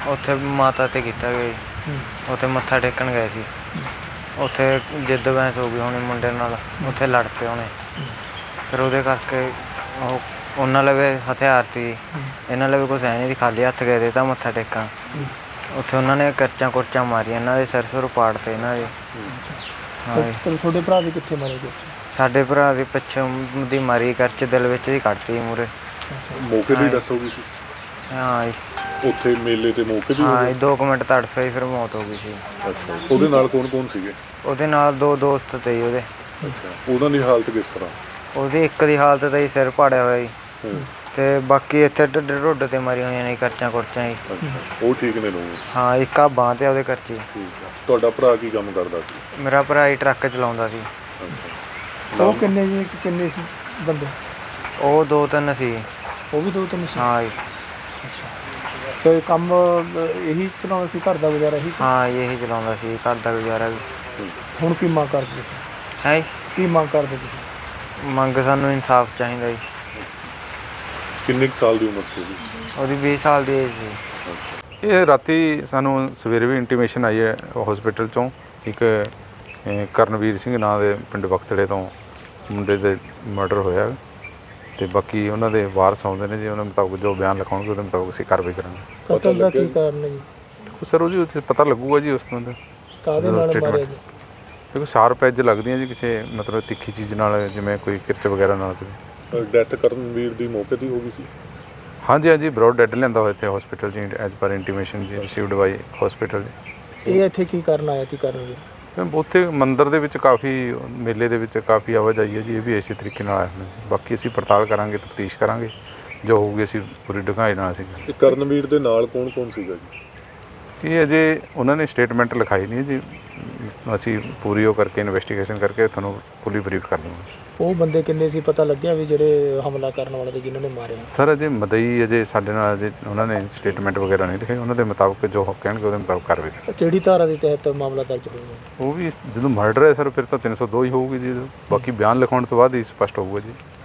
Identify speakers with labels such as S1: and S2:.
S1: ਉੱਥੇ ਮਾਤਾ 'ਤੇ ਕੀਤਾ ਗਿਆ ਜੀ। ਉੱਥੇ ਮੱਥਾ ਟੇਕਣ ਗਏ ਸੀ। ਉੱਥੇ ਜਿੱਦ ਬਹਿਸ ਹੋ ਗਈ ਹੋਣੀ ਮੁੰਡੇ ਨਾਲ, ਉੱਥੇ ਲੜ ਪਏ ਹੋਣੇ। ਫਿਰ ਉਹਦੇ ਕਰਕੇ ਉਹਨਾਂ ਲਵੇ ਹਥਿਆਰ ਸੀ, ਇਹਨਾਂ ਲਵੇ ਕੁਛ ਹੈ ਨਹੀਂ ਸੀ, ਖਾਲੀ ਹੱਥ ਗਏ ਦੇ ਤਾਂ ਮੱਥਾ ਟੇਕਣ। ਉੱਥੇ ਉਹਨਾਂ ਨੇ ਕਰਚਾਂ ਕੁਰਚਾਂ ਮਾਰੀਆਂ, ਇਹਨਾਂ ਦੇ ਸਿਰ ਸੁਰ ਪਾੜਤੇ ਇਹਨਾਂ ਦੇ। ਹਾਂ ਜੀ।
S2: ਤੁਹਾਡੇ ਭਰਾ ਦੇ ਕਿੱਥੇ ਮਾਰੇ ਗਏ?
S1: ਸਾਡੇ ਭਰਾ ਦੀ ਪਿੱਛੇ ਦੀ ਮਾਰੀ, ਕਰਚ ਦਿਲ ਵਿੱਚ ਦੀ ਕੱਢਤੀ ਮੂਹਰੇ।
S3: ਮੌਕੇ ਦੀ ਡੈਥ ਹੋ ਗਈ ਸੀ?
S1: ਹਾਂ ਜੀ।
S3: ਉੱਥੇ ਮੇਲੇ ਤੇ ਮੌਕੇ ਦੀ?
S1: ਹਾਂ ਜੀ, 2 ਮਿੰਟ ਤੜਫੇ ਫਿਰ ਮੌਤ ਹੋ ਗਈ ਸੀ।
S3: ਅੱਛਾ, ਉਹਦੇ ਨਾਲ ਕੌਣ ਕੌਣ ਸੀਗੇ?
S1: ਉਹਦੇ ਨਾਲ 2 ਦੋਸਤ ਤੇ ਜੀ ਉਹਦੇ।
S3: ਅੱਛਾ, ਉਹਨਾਂ ਦੀ ਹਾਲਤ ਕਿਸ ਤਰ੍ਹਾਂ?
S1: ਉਹਦੀ ਇੱਕ ਦੀ ਹਾਲਤ ਤਾਂ ਜੀ ਸਿਰ ਪਾੜਿਆ ਹੋਇਆ ਜੀ, ਤੇ ਬਾਕੀ ਇੱਥੇ ਢਿੱਡ ਤੇ ਮਾਰੀਆਂ ਹੋਈਆਂ ਨੇ ਕਰਚਾਂ ਕੁਰਚਾਂ ਜੀ।
S3: ਉਹ ਠੀਕ ਨੇ ਲੋਕ?
S1: ਹਾਂ, ਇੱਕ ਆ ਬਾਂਹ ਤੇ ਉਹਦੇ ਕਰਚੀ।
S3: ਠੀਕ ਆ। ਤੁਹਾਡਾ ਭਰਾ ਕੀ ਕੰਮ ਕਰਦਾ ਸੀ?
S1: ਮੇਰਾ ਭਰਾ ਹੀ ਟਰੱਕ ਚਲਾਉਂਦਾ ਸੀ।
S2: ਉਹ ਕਿੰਨੇ ਸੀ ਬੰਦੇ?
S1: ਉਹ 2-3 ਸੀ।
S2: ਉਹ ਵੀ 2-3 ਸੀ? ਹਾਂ
S1: ਜੀ।
S2: ਤੇ ਕੰਮ ਇਹੀ ਚਲਾਉਂਦਾ ਸੀ, ਘਰ ਦਾ ਗੁਜ਼ਾਰਾ ਇਹੀ?
S1: ਹਾਂ, ਇਹੀ ਚਲਾਉਂਦਾ ਸੀ, ਘਰ ਦਾ ਗੁਜ਼ਾਰਾ ਵੀ।
S2: ਹੁਣ ਕੀ ਮੰਗ ਕਰਦੇ ਤੁਸੀਂ?
S1: ਹੈ
S2: ਕੀ ਮੰਗ ਕਰਦੇ ਤੁਸੀਂ?
S1: ਮੰਗ ਸਾਨੂੰ ਇਨਸਾਫ ਚਾਹੀਦਾ ਜੀ।
S3: ਕਿੰਨੇ ਸਾਲ ਦੀ ਉਮਰ ਸੀ ਉਹਦੀ?
S1: ਉਹਦੀ 20 ਸਾਲ ਦੀ ਏਜ ਸੀ।
S4: ਇਹ ਰਾਤੀ ਸਾਨੂੰ ਸਵੇਰੇ ਵੀ ਇੰਟੀਮੇਸ਼ਨ ਆਈ ਹੈ ਹਸਪੀਟਲ 'ਚੋਂ, ਇੱਕ ਕਰਨਵੀਰ ਸਿੰਘ ਨਾਂ ਦੇ ਪਿੰਡ ਬਖਤੜੇ ਤੋਂ ਮੁੰਡੇ ਦੇ ਮਰਡਰ ਹੋਇਆ, ਅਤੇ ਬਾਕੀ ਉਹਨਾਂ ਦੇ ਵਾਰਸ ਆਉਂਦੇ ਨੇ ਜੀ, ਉਹਨਾਂ ਮੁਤਾਬਕ ਜੋ ਬਿਆਨ ਲਿਖਾਉਣਗੇ ਉਹਦੇ ਮੁਤਾਬਕ ਅਸੀਂ ਕਾਰਵਾਈ ਕਰਾਂਗੇ।
S2: ਕਤਲ ਦਾ ਕੀ ਕਾਰਨ ਹੈ ਜੀ?
S4: ਦੇਖੋ ਸਰ, ਉਹ ਜੀ ਉੱਥੇ ਪਤਾ ਲੱਗੂਗਾ ਜੀ ਉਸ ਤੋਂ।
S2: ਕਾਹਦੇ ਨਾਲ ਮਾਰਿਆ ਜੀ?
S4: ਦੇਖੋ ਸ਼ਾਰਪ ਐਜ ਲੱਗਦੀਆਂ ਜੀ, ਕਿਸੇ ਮਤਲਬ ਤਿੱਖੀ ਚੀਜ਼ ਨਾਲ, ਜਿਵੇਂ ਕੋਈ ਕਿਰਚ ਵਗੈਰਾ ਨਾਲ।
S3: ਡੈਥ ਕਰਨਵੀਰ ਦੀ ਮੌਕੇ ਦੀ ਹੋ ਗਈ ਸੀ?
S4: ਹਾਂਜੀ ਹਾਂਜੀ, ਬਰੋਡ ਡੈਡ ਲਿਆਂਦਾ ਹੋਇਆ ਇੱਥੇ ਹਸਪੀਟਲ 'ਚ ਐਜ ਪਰ ਇੰਟੀਮੇਸ਼ਨ ਜੀ ਰਿਸੀਵਡ ਬਾਈ ਹਸਪੀਟਲ।
S2: ਇਹ ਇੱਥੇ ਕੀ ਕਰਨ ਆਇਆ ਸੀ ਕਰਨਵੀਰ?
S4: ਉੱਥੇ ਮੰਦਿਰ ਦੇ ਵਿੱਚ ਕਾਫੀ, ਮੇਲੇ ਦੇ ਵਿੱਚ ਕਾਫੀ ਆਵਾਜਾਈ ਹੈ ਜੀ, ਇਹ ਵੀ ਇਸੇ ਤਰੀਕੇ ਨਾਲ ਆਇਆ ਹੋਇਆ। ਬਾਕੀ ਅਸੀਂ ਪੜਤਾਲ ਕਰਾਂਗੇ, ਤਫਤੀਸ਼ ਕਰਾਂਗੇ, ਜੋ ਹੋਊਗੀ ਅਸੀਂ ਪੂਰੀ ਡੂੰਘਾਈ ਨਾਲ ਅਸੀਂ।
S3: ਕਰਨਵੀਰ ਦੇ ਨਾਲ ਕੌਣ ਕੌਣ ਸੀਗਾ ਜੀ?
S4: ਇਹ ਅਜੇ ਉਹਨਾਂ ਨੇ ਸਟੇਟਮੈਂਟ ਲਿਖਾਈ ਨਹੀਂ ਜੀ, ਅਸੀਂ ਪੂਰੀ ਉਹ ਕਰਕੇ ਇਨਵੈਸਟੀਗੇਸ਼ਨ ਕਰਕੇ ਤੁਹਾਨੂੰ ਫੁੱਲੀ ਬਰੀਫ ਕਰ ਦਵਾਂਗੇ।
S2: ਉਹ ਬੰਦੇ ਕਿੰਨੇ ਸੀ, ਪਤਾ ਲੱਗਿਆ ਵੀ ਜਿਹੜੇ ਹਮਲਾ ਕਰਨ ਵਾਲੇ ਤੇ ਜਿਨ੍ਹਾਂ ਨੇ ਮਾਰਿਆ?
S4: ਸਰ ਅਜੇ ਮਦਈ ਅਜੇ ਸਾਡੇ ਨਾਲ ਅਜੇ ਉਹਨਾਂ ਨੇ ਸਟੇਟਮੈਂਟ ਵਗੈਰਾ ਨਹੀਂ ਲਿਖੇ, ਉਹਨਾਂ ਦੇ ਮੁਤਾਬਕ ਜੋ ਕਹਿਣਗੇ ਉਹਦੇ ਮੁਤਾਬਕ ਕਾਰਵਾਈ।
S2: ਕਿਹੜੀ ਧਾਰਾ ਦੇ ਤਹਿਤ ਮਾਮਲਾ ਦਰਜ ਹੋਇਆ?
S4: ਉਹ ਵੀ ਜਦੋਂ ਮਰਡਰ ਹੈ ਸਰ, ਫਿਰ ਤਾਂ 302 ਹੀ ਹੋਊਗੀ ਜੀ, ਬਾਕੀ ਬਿਆਨ ਲਿਖਾਉਣ ਤੋਂ ਬਾਅਦ ਹੀ ਸਪਸ਼ਟ ਹੋਊਗਾ ਜੀ।